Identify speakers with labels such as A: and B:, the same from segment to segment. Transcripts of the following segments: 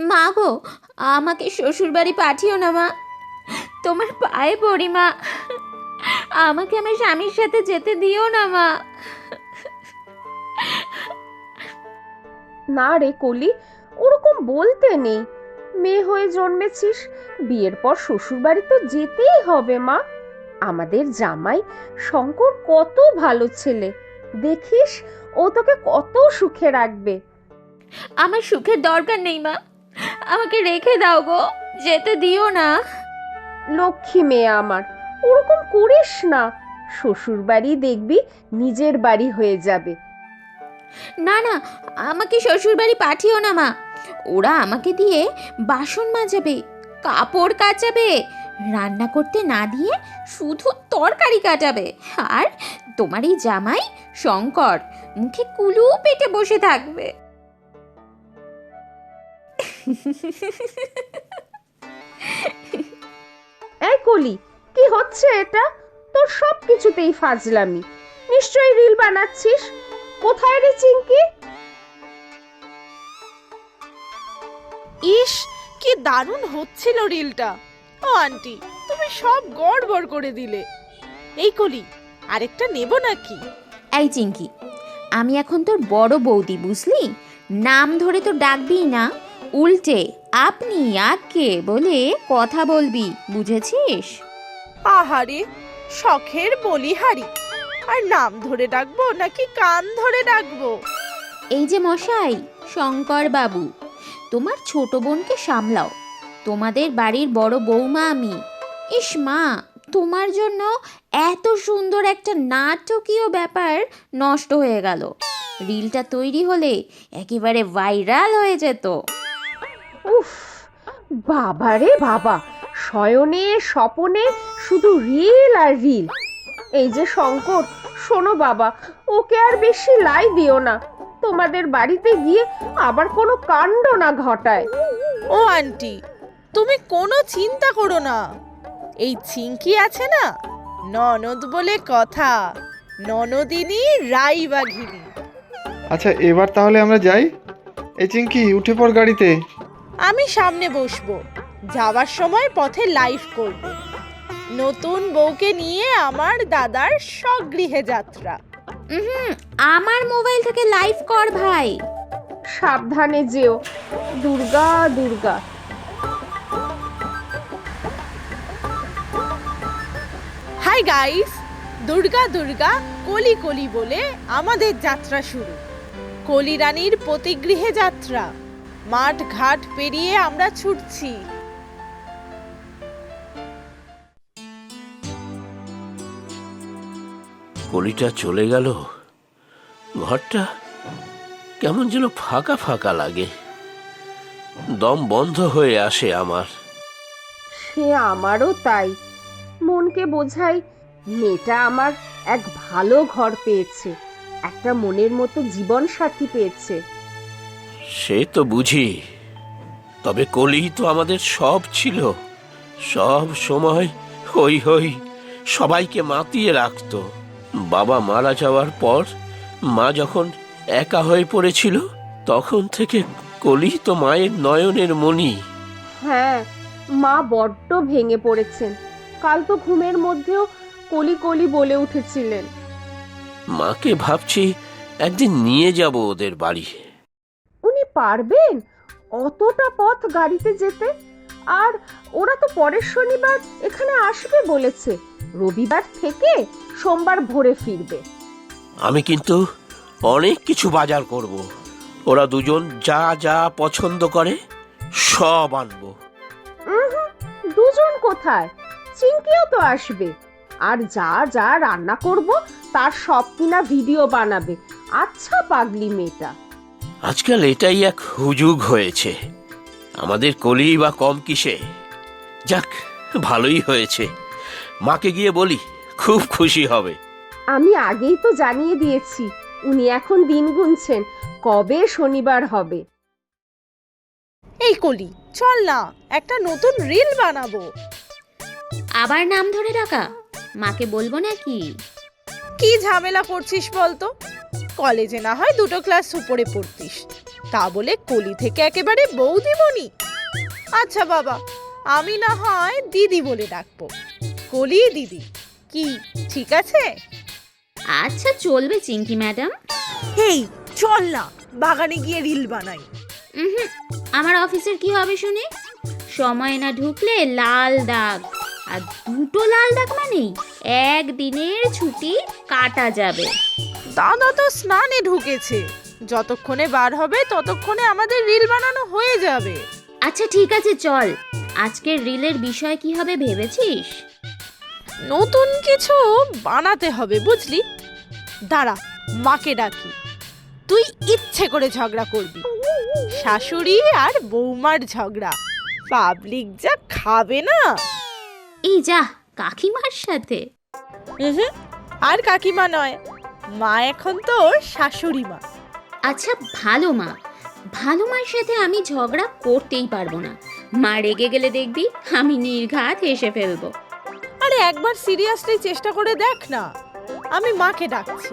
A: মা গো, আমাকে শ্বশুরবাড়ি পাঠিও না মা, তোমার পায়ে পড়ি মা, আমাকে আমার স্বামীর সাথে যেতে দিও না মা।
B: না রে কলি, ওরকম বলতে নেই। মেয়ে হয়ে জন্মেছিস, বিয়ের পর শ্বশুর বাড়ি তো যেতেই হবে মা। আমাদের জামাই শঙ্কর কত ভালো ছেলে, দেখিস ও তোকে কত সুখে রাখবে।
A: আমার সুখের দরকার নেই মা, আমাকে রেখে দাও গো, যেতে দিও না।
B: লক্ষ্মী মেয়ে আমার, ওরকম করিস না। শ্বশুর বাড়ি দেখবি নিজের বাড়ি হয়ে যাবে।
A: না না, আমাকে শ্বশুরবাড়ি পাঠিও না মা, ওরা আমাকে দিয়ে বাসন মাজাবে, কাপড় কাচাবে, রান্না করতে না দিয়ে শুধু তরকারি কাটাবে। আর তোমার এই জামাই শঙ্কর মুখে কুলু পেটে বসে থাকবে।
B: এই কলি, কি হচ্ছে এটা? তোর সব কিছুতেই ফাজলামি। নিশ্চয়ই রিল বানাচ্ছিস। কোথায় রে চিঙ্কি?
C: ইস, কি দারুণ হচ্ছিল রিলটা। ও আন্টি, তুমি সব গড়বড় করে দিলে। এই কলি, আরেকটা নেব নাকি?
A: এই চিঙ্কি, আমি এখন তোর বড় বৌদি, বুঝলি? নাম ধরে তো ডাকবি না, উল্টে আপনি আকে বলে কথা বলবি, বুঝেছিস?
C: আহারে, শখের বলিহারি। আর নাম ধরে ডাকবো নাকি কান ধরে ডাকবো?
A: এই যে মশাই শঙ্কর বাবু, তোমার ছোট বোনকে সামলাও, তোমাদের বাড়ির বড় বৌমা আমি। ইস মা, তোমার জন্য এত সুন্দর একটা নাটকীয় ব্যাপার নষ্ট হয়ে গেল। রিলটা তৈরি হলে একেবারে ভাইরাল হয়ে যেত।
B: উফ, বাবা রে বাবা, শয়নে স্বপনে শুধু রিল আর রিল। এই যে শঙ্কর, শোনো বাবা, ওকে আর বেশি লাই দিও না। তোমাদের বাড়িতে গিয়ে আবার কোনো কাণ্ড না ঘটায়।
C: ও আন্টি, তুমি কোনো চিন্তা করো না। এই চিঙ্কি আছে না, ননদ বলে কথা, ননদিনী রাইবাঘিনী।
D: আচ্ছা, এবার তাহলে আমরা যাই। এই চিঙ্কি, উঠে পড় গাড়িতে।
C: আমি সামনে বসবো, যাওয়ার সময় পথে লাইভ করব। নতুন বউকে নিয়ে আমার দাদার স্বগৃহে যাত্রা।
A: আমার মোবাইল থেকে লাইভ কর ভাই।
B: সাবধানে যেও। দুর্গা দুর্গা।
C: হাই গাইস, দুর্গা দুর্গা কলি কলি বলে আমাদের যাত্রা শুরু। কলি রানীর পতিগৃহে যাত্রা। মাঠ ঘাট পেরিয়ে আমরা ছুটছি।
E: কলিটা চলে গেল, ঘরটা কেমন যেন ফাঁকা ফাঁকা লাগে, দম বন্ধ হয়ে আসে আমার।
B: সে আমারও তাই। মনকে বোঝাই, মেয়েটা আমার এক ভালো ঘর পেয়েছে, একটা মনের মতো জীবন সাথী পেয়েছে।
E: সে তো বুঝি, তবে কলি তো আমাদের সব ছিল। সব সময় হই হই সবাইকে মাতিয়ে রাখতো। বাবা মারা যাওয়ার পর মা যখন একা হয়ে পড়েছিল, তখন থেকে কলি তো মায়ের নয়নের মণি।
B: হ্যাঁ, মা বড্ড ভেঙে পড়েছেন। কাল তো ঘুমের মধ্যেও কলি কলি বলে উঠেছিলেন।
E: মাকে ভাবছি একদিন নিয়ে যাব ওদের বাড়ি।
B: উনি পারবেন অতটা পথ গাড়িতে যেতে? আর ওরা তো পরের শনিবার এখানে আসবে বলেছে, রবিবার থেকে সোমবার ভোরে ফিরবে।
E: আমি কিন্তু অনেক কিছু বাজার করব। ওরা দুজন যা যা পছন্দ করে সব আনবো।
B: দুজন কোথায়, চিঙ্কিও তো আসবে। আর যা যা রান্না করব তার সব কিনা ভিডিও বানাবে। আচ্ছা পাগলি মেয়েটা।
E: আজকাল এটাই এক হুজুগ হয়েছে, আমাদের কলি বা কম কিসে। যাক, ভালোই হয়েছে, মাকে গিয়ে বলি, খুব খুশি হবে।
B: আমি আগেই তো জানিয়ে দিয়েছি, উনি এখন দিন গুনছেন কবে শনিবার হবে।
C: এই কলি, চল না, একটা নতুন রিল বানাবো।
A: আবার নাম ধরে ডাকা? মাকে বলবো নাকি?
C: কি ঝামেলা করছিস বলতো? কলেজে না হয় দুটো ক্লাস উপরে পড়তিস, তা বলে কলি থেকে একেবারে বউ দিবনি? আচ্ছা বাবা, আমি না হয় দিদি বলে ডাকবো, কলি দিদি, কি ঠিক আছে?
A: আচ্ছা চলবে চিঙ্কি ম্যাডাম।
C: হেই চল না, বাগানে গিয়ে রিল বানাই।
A: হুম, আমার অফিসের কি হবে শুনি? সময় না ঢুকলে লাল দাগ, আর দুটো লাল দাগ মানেই একদিনের ছুটি কাটা যাবে।
C: দাদা তো স্নানে ঢুকেছে, যতক্ষণে বার হবে ততক্ষণে আমাদের রিল বানানো হয়ে যাবে।
A: আচ্ছা ঠিক আছে চল, আজকের রিলের বিষয় কি হবে ভেবেছিস?
C: নতুন কিছু বানাতে হবে বুঝলি। দাঁড়া, মাকে ডাকি, তুই ইচ্ছে করে ঝগড়া করবি। শাশুড়ি আর বৌমার ঝগড়া, পাবলিক যা খাবে না।
A: এই যা কাকিমার সাথে।
C: উহুম, আর কাকিমা নয়, মা এখন তোর শাশুড়ি মা।
A: আচ্ছা ভালো মা, ভালো মার সাথে আমি ঝগড়া করতেই পারবো না। মা রেগে গেলে দেখবি আমি নির্ঘাত হেসে ফেলবো।
C: আরে একবার সিরিয়াসলি চেষ্টা করে দেখ না। আমি মাকে ডাকছি।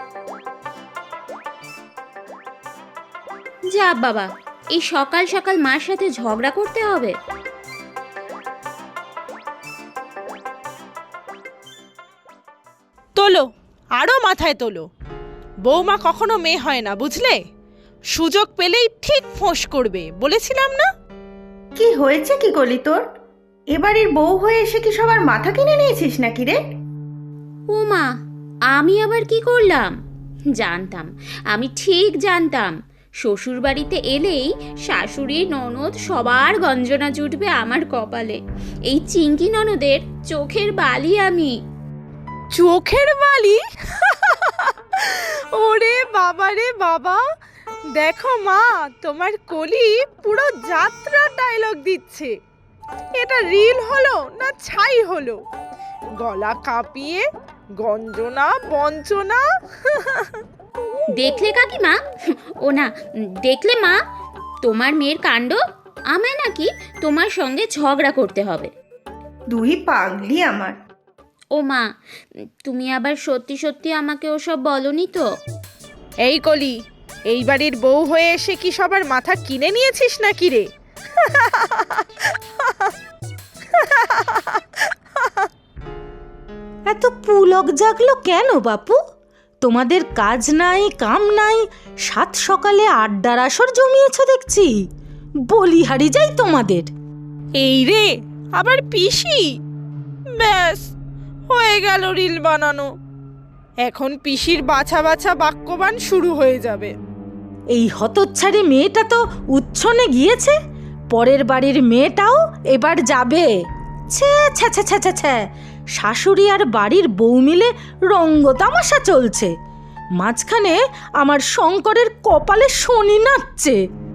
A: যা বাবা, এই সকাল সকাল মার সাথে ঝগড়া করতে হবে?
C: তোলো, আরো মাথায় তোলো। বৌমা কখনো মেয়ে হয় না বুঝলে, সুযোগ পেলেই ঠিক ফোঁস করবে, বলেছিলাম না?
F: কি হয়েছে কি কলি তোর? এবারের বউ হয়ে এসে কি সবার মাথা কিনে নিয়েছিস নাকি রে?
A: ও মা, আমি আবার কি করলাম? জানতাম, আমি ঠিক জানতাম শ্বশুর বাড়িতে এলেই শাশুড়ি ননদ সবার গঞ্জনা জুটবে আমার কপালে। এই চিঙ্কি ননদের চোখের বালি আমি।
C: চোখের বালি? ওরে বাবা রে বাবা, দেখো মা, তোমার কলি পুরো যাত্রা ডায়লগ দিচ্ছে। এটা রিল হলো না ছাই হলো? গলা কাঁপিয়ে গঞ্জনা বঞ্চনা।
A: দেখলে কাকিমা, ও না দেখলে মা, তোমার মেয়ের কাণ্ড। আমায় নাকি তোমার সঙ্গে ঝগড়া করতে হবে।
F: দুই পাগলি আমার।
A: ও মা, তুমি আবার সত্যি সত্যি আমাকে ওসব বলনি তো?
C: এই কলি, এই বাড়ির বউ হয়ে এসে কি সবার মাথা কিনে নিয়েছিস নাকি রে?
G: এত পুলক জাগলো কেন বাপু? তোমাদের কাজ নাই কাম নাই, সাত সকালে আড্ডার আসর জমিয়েছ দেখছি। বলিহারি যাই তোমাদের।
C: এই রে, আবার পিসি? ব্যাস, হয়ে গেল রিল বানানো। এখন পিসির বাছা বাছা বাক্যবান শুরু হয়ে যাবে।
G: এই হতচ্ছাড়ি মেয়েটা তো উচ্ছনে গিয়েছে, পরের বাড়ির মেয়েটাও এবার যাবে। ছ্যা ছ্যা ছ্যা ছ্যা ছ্যা ছ্যা, শাশুড়ি আর বাড়ির বউ মিলে রঙ্গ তামাশা চলছে, মাঝখানে আমার শঙ্করের কপালে শনি নাচছে।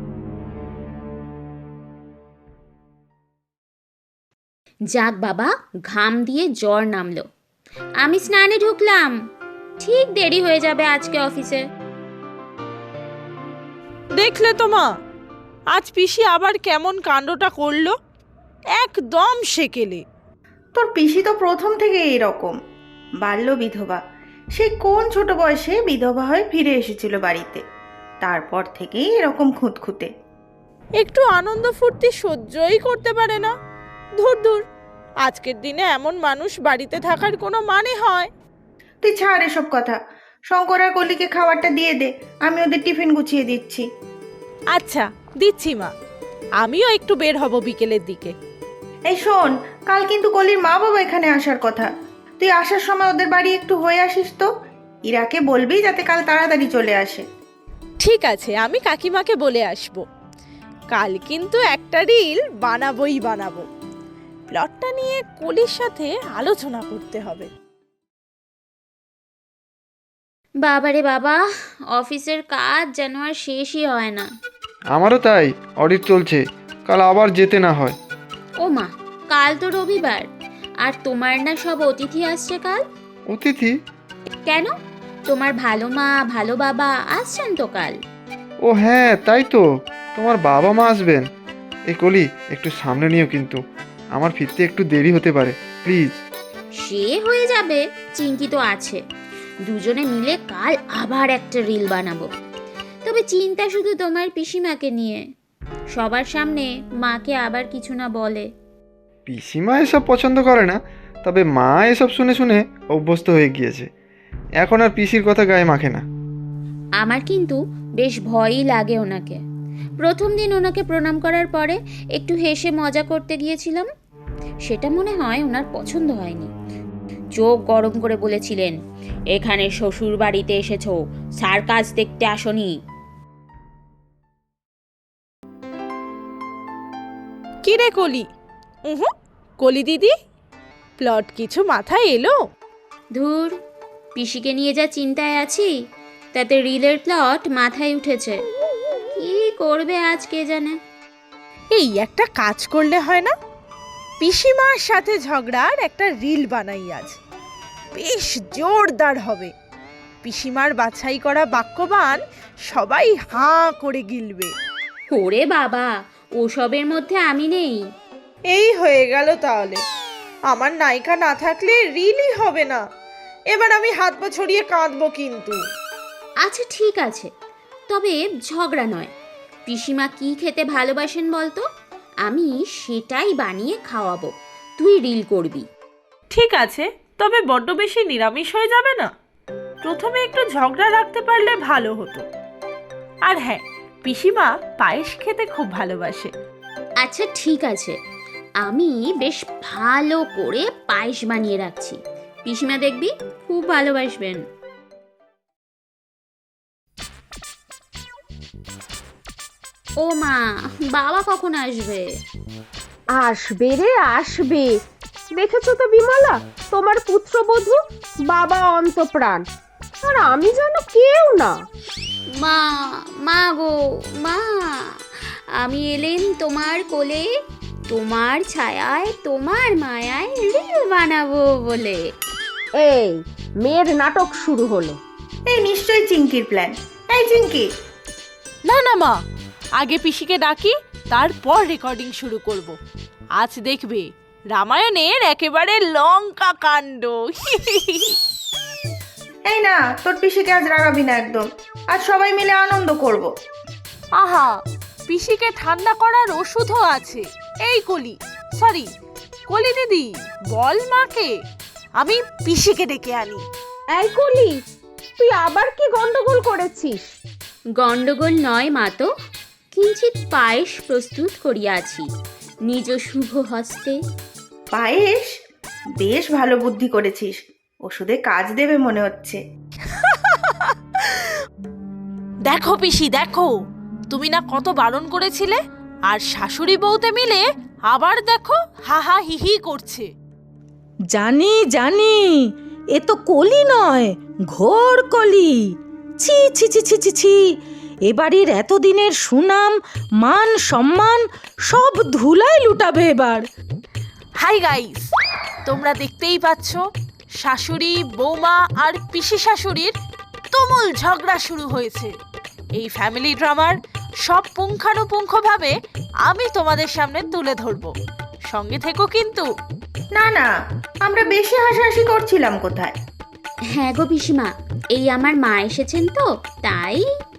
A: যাক বাবা, ঘাম দিয়ে জ্বর নামলো। আমি স্নানে ঢুকলাম, ঠিক দেরি হয়ে যাবে আজকে অফিসে।
C: দেখলে তো মা, আজ পিসি আবার কেমন কাণ্ডটা করলো, একদম সেকেলে।
F: তোর পিসি তো প্রথম থেকে এইরকম, বাল্য বিধবা। সে কোন ছোট বয়সে বিধবা হয়ে ফিরে এসেছিল বাড়িতে, তারপর থেকেই এরকম খুঁতখুঁতে।
C: একটু আনন্দ ফুর্তি সহ্যই করতে পারে না। ধুর ধুর, আজকের দিনে এমন মানুষ বাড়িতে থাকার কোনো মানে হয়?
F: তুই ছাড় এসব কথা। শঙ্কর আর কলিকে খাবারটা দিয়ে দে, আমি ওদের টিফিন গুছিয়ে দিচ্ছি।
C: আচ্ছা দিচ্ছি মা, আমিও একটু বের হব বিকেলের দিকে।
F: এই শোন, কাল কিন্তু কলির মা বাবা এখানে আসার কথা। তুই আসার সময় ওদের বাড়ি একটু হয়ে আসিস তো। ইরাকে বলবি যাতে কাল তাড়াতাড়ি চলে আসে।
C: ঠিক আছে, আমি কাকিমাকে বলে আসব। কাল কিন্তু একটা রিল বানাবোই বানাবো। প্লটটা নিয়ে কলির সাথে আলোচনা করতে হবে।
A: বাবারে বাবা, অফিসের কাজ যেন আর শেষই হয় না।
D: আমারও তাই, অডিট চলছে, কাল আবার যেতে না হয়।
A: ও মা, কাল তো রবিবার, আর তোমার না সব অতিথি আসছে কাল?
D: অতিথি?
A: কেন, তোমার ভালো মা ভালো বাবা আসছেন তো কাল?
D: ও হ্যাঁ, তাই তো, তোমার বাবা মা আসবেন। এই কলি, একটু সামনে নিও কিন্তু, আমার ফিরতে একটু দেরি হতে পারে, প্লিজ।
A: সে হয়ে যাবে, চিঙ্কি তো আছে। দুজনে মিলে কাল আবার একটা রিল বানাবো। তবে চিন্তা শুধু তোমার পিসিমাকে নিয়ে। সবার সামনে মাকে আবার কিছু না বলে।
D: পিসিমা এসব পছন্দ করে না, তবে মা এসব শুনে শুনে অভ্যস্ত হয়ে গিয়েছে। এখন আর পিসির কথা গায়ে মাখে না।
A: আমার কিন্তু বেশ ভয়ই লাগে ওনাকে। প্রথম দিন ওনাকে প্রণাম করার পরে একটু হেসে মজা করতে গিয়েছিলাম, সেটা মনে হয় ওনার পছন্দ হয়নি। চোখ গরম করে বলেছিলেন, এখানে শ্বশুর বাড়িতে এসেছো, সার্কাস দেখতে আসনি।
C: কি রে কলি? কলি দিদি, প্লট কিছু মাথায় এলো?
A: ধুর, পিসিকে নিয়ে যা চিন্তায় আছি তাতে রিলের প্লট মাথায় উঠেছে। কি করবে আজ কে জানে।
C: এই একটা কাজ করলে হয় না? পিসিমার সাথে ঝগড়ার একটা রিল বানাই আজ, বেশ জোরদার হবে। পিসিমার বাছাই করা বাক্যবান সবাই হাঁ করে গিলবে।
A: ওরে বাবা, ওসবের মধ্যে আমি নেই।
C: এই হয়ে গেল তাহলে। আমার নায়িকা না থাকলে রিলই হবে না। এবার আমি হাত পা ছড়িয়ে কাঁদবো কিন্তু।
A: আচ্ছা ঠিক আছে, তবে ঝগড়া নয়। পিসিমা কি খেতে ভালোবাসেন বলতো, আমি সেটাই বানিয়ে খাওয়াবো, তুই রিল করবি।
C: ঠিক আছে, তবে বড্ড বেশি নিরামিষ হয়ে যাবে না? প্রথমে একটু ঝগড়া রাখতে পারলে ভালো হতো। আর হ্যাঁ, পিসিমা পায়েস খেতে খুব ভালোবাসে।
A: আচ্ছা ঠিক আছে, আমি বেশ ভালো করে পায়েস বানিয়ে রাখছি, পিসিমা দেখবি খুব ভালোবাসবেন। ও মা, বাবা কখন আসবে?
B: আসবে রে আসবে, দেখেছো তো বিমলা, তোমার পুত্রবধূ, বাবা অন্তপ্রাণ, আর আমি যেন কেউ না।
A: মা, মা গো মা, আমি এলেন তোমার কোলে, তোমার ছায়ায় তোমার মায়ায় রিল বানাবো বলে।
B: এই মেয়ের নাটক শুরু হলো।
F: এই নিশ্চয়ই চিঙ্কির প্ল্যান। এই চিঙ্কি,
C: না না মা, আগে পিসিকে ডাকি, তারপর রেকর্ডিং শুরু করব। আজ দেখবে রামায়ণের একেবারে লঙ্কা কাণ্ড।
F: এই না, তোর পিসিকে আজ রাগাবি না একদম। আজ সবাই মিলে আনন্দ করব।
C: আহা, পিসিকে ঠান্ডা করার ওষুধও আছে। এই কলি, সরি কলি দিদি, বল মাকে আমি পিসিকে ডেকে আনি।
B: এই কলি, তুই আবার কি গন্ডগোল করেছিস?
A: গন্ডগোল নয় মা, তো কিঞ্চিৎ পায়েস প্রস্তুত করিয়াছি নিজ শুভ হস্তে।
F: পায়েস? বেশ ভালো বুদ্ধি করেছিস, ওষুধে কাজ দেবে মনে হচ্ছে।
C: দেখো পিসি দেখো, তুমি না কত বারণ করেছিলে, আর শাশুড়ি বউতে মিলে আবার দেখো হাহা হিহি করছে।
G: জানি জানি, এ তো কলি নয়, ঘোর কলি। ছি ছি ছি ছি ছি ছি, এ বাড়ির এতদিনের সুনাম মান সম্মান সব ধুলায় লুটাবে এবার।
C: হাই গাইস, তোমরা দেখতেই পাচ্ছ শাশুড়ি বৌমা আর পিসি শাশুড়ির তুমুল ঝগড়া শুরু হয়েছে। এই ফ্যামিলি ড্রামার সব পুঙ্খানুপুঙ্খভাবে আমি তোমাদের সামনে তুলে ধরবো, সঙ্গে থেকো কিন্তু।
F: না না, আমরা বেশি হাসাহাসি করছিলাম কোথায়।
A: হ্যাঁ গো পিসিমা, এই আমার মা এসেছেন তো তাই।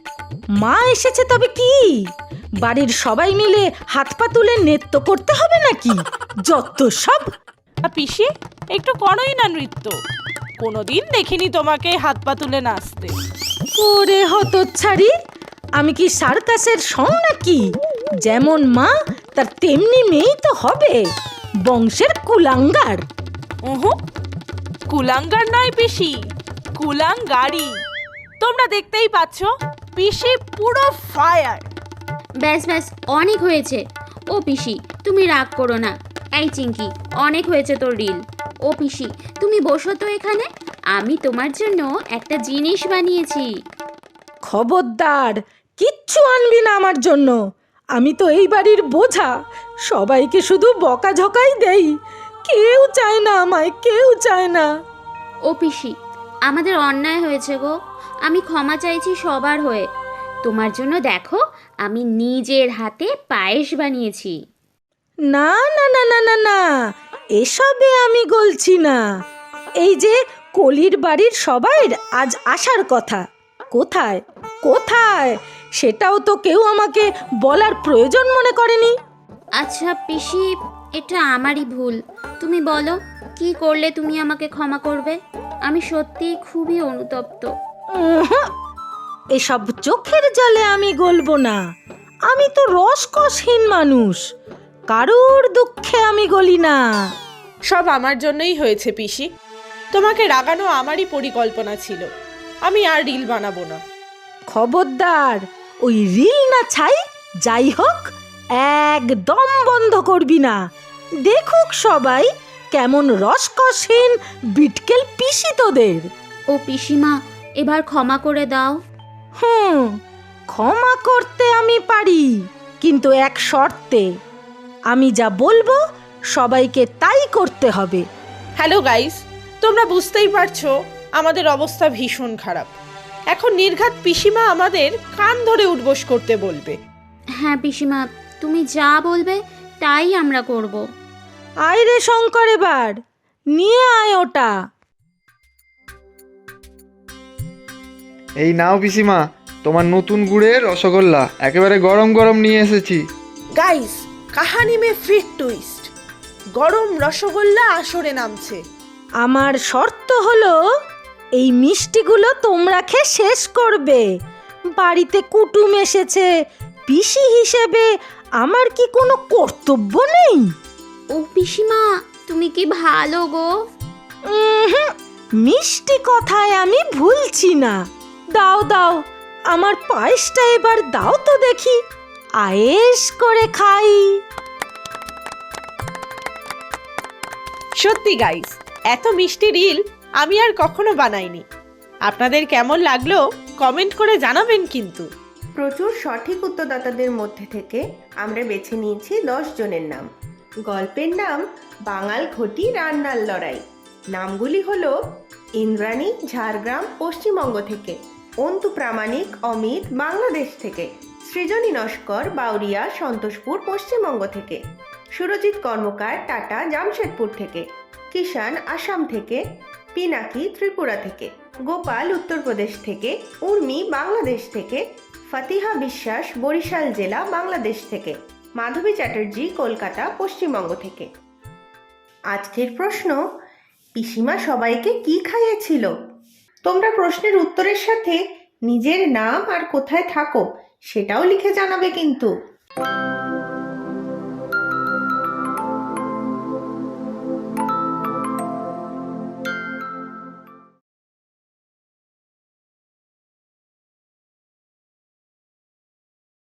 G: মা এসেছে তবে কি, বাড়ির সবাই মিলে হাত পা তুলে নৃত্য করতে হবে নাকি? যত সব।
C: পিসি একটু করোই না নৃত্য, কোনোদিন দেখিনি তোমাকে হাত পা তুলে নাচতে।
G: ওরে হতচ্ছাড়ি, আমি কি সার্কাসের সং নাকি? যেমন মা তার তেমনি মেয়েই তো হবে, বংশের কুলাঙ্গার।
C: ওহো, কুলাঙ্গার নয় পিসি, কুলাঙ্গারি। তোমরা দেখতেই পাচ্ছ পিসি পুরো ফায়ার।
A: ব্যাস ব্যাস, অনেক হয়েছে। ও পিসি তুমি রাগ করো না। এই চিঙ্কি, অনেক হয়েছে তোর রিল। ও পিসি তুমি বসো তো এখানে, আমি তোমার জন্য একটা জিনিস বানিয়েছি।
G: খবরদার, কিচ্ছু আনবি না আমার জন্য। আমি তো এই বাড়ির বোঝা, সবাইকে শুধু বকাঝকাই দেই। কেউ চায় না আমায়, কেউ চায় না।
A: ও পিসি, আমাদের অন্যায় হয়েছে গো, আমি ক্ষমা চাইছি সবার হয়ে। তোমার জন্য দেখো, আমি নিজের হাতে পায়েস বানিয়েছি।
G: না না না না না না, এসবে আমি গলছি না। এই যে কলির বাড়ির সবাই আজ আসার কথা, কোথায় কোথায় সেটাও তো কেউ আমাকে বলার প্রয়োজন মনে করেনি।
A: আচ্ছা পিসি, এটা আমারই ভুল। তুমি বলো, কি করলে তুমি আমাকে ক্ষমা করবে? আমি সত্যিই খুবই অনুতপ্ত।
G: উহুঁ, এসব চোখের জলে আমি গলবো না। আমি তো রসকসহীন মানুষ, কারুর দুঃখে আমি গলি না।
C: সব আমার জন্যই হয়েছে পিসি। তোমাকে রাগানো আমারই পরিকল্পনা ছিল। আমি আর রিল বানাবো না।
G: খবরদার, ওই রিল না ছাই যাই হোক একদম বন্ধ করবি না। দেখুক সবাই কেমন রসকসহীন বিটকেল পিসি তোদের।
A: ও পিসিমা, এবার ক্ষমা করে দাও।
G: ক্ষমা করতে আমি পারি, কিন্তু এক শর্তে। আমি যা বলবো সবাইকে তাই করতে হবে।
C: হ্যালো গাইস, তোমরা বুঝতেই পারছো আমাদের অবস্থা ভীষণ খারাপ। এখন নির্ঘাত পিসিমা আমাদের কান ধরে উঠবোস করতে বলবে।
A: হ্যাঁ পিসিমা, তুমি যা বলবে তাই আমরা করব।
G: আয় রে শঙ্কর, এবার নিয়ে আয় ওটা।
D: এই নাও পিসিমা, তোমার নতুন গুড়ের রসগোল্লা একেবারে গরম গরম নিয়ে এসেছি।
C: গাইস, কাহানি মে ফিট টুইস্ট। গরম রসগোল্লা আসরে নামছে।
G: আমার শর্ত হলো এই মিষ্টিগুলো তোমরা খেয়ে শেষ করবে। বাড়িতে কুটুম এসেছে, পিসি হিসেবে আমার কি কোনো কর্তব্য নেই?
A: ও পিসিমা, তুমি কি ভালো গো।
G: উহুঁ, মিষ্টি কথায় আমি ভুলছি না। দাও দাও, আমার পায়েসটা এবার দাও তো দেখি, আয়েশ করে খাই।
C: সত্যি গাইস, এত মিষ্টি রিল আমি আর কখনো বানাইনি। আপনাদের কেমন লাগলো কমেন্ট করে জানাবেন কিন্তু।
F: প্রচুর সঠিক উত্তরদাতাদের মধ্যে থেকে আমরা বেছে নিয়েছি 10 জনের নাম। গল্পের নাম বাঙাল ঘটি রান্নার লড়াই। নামগুলি হলো ইন্দ্রাণী, ঝাড়গ্রাম, পশ্চিমবঙ্গ থেকে; অন্তু প্রামাণিক, অমিত, বাংলাদেশ থেকে; সৃজনী নস্কর, বাউরিয়া, সন্তোষপুর, পশ্চিমবঙ্গ থেকে; সুরজিৎ কর্মকার, টাটা, জামশেদপুর থেকে; কিষান, আসাম থেকে; পিনাকি, ত্রিপুরা থেকে; গোপাল, উত্তরপ্রদেশ থেকে; উর্মি, বাংলাদেশ থেকে; ফতিহা বিশ্বাস, বরিশাল জেলা, বাংলাদেশ থেকে; মাধবী চ্যাটার্জি, কলকাতা, পশ্চিমবঙ্গ থেকে। আজকের প্রশ্ন, পিসিমা সবাইকে কি খাইয়েছিল? তোমরা প্রশ্নের উত্তরের সাথে নিজের নাম আর কোথায় থাকো সেটাও লিখে জানাবে কিন্তু।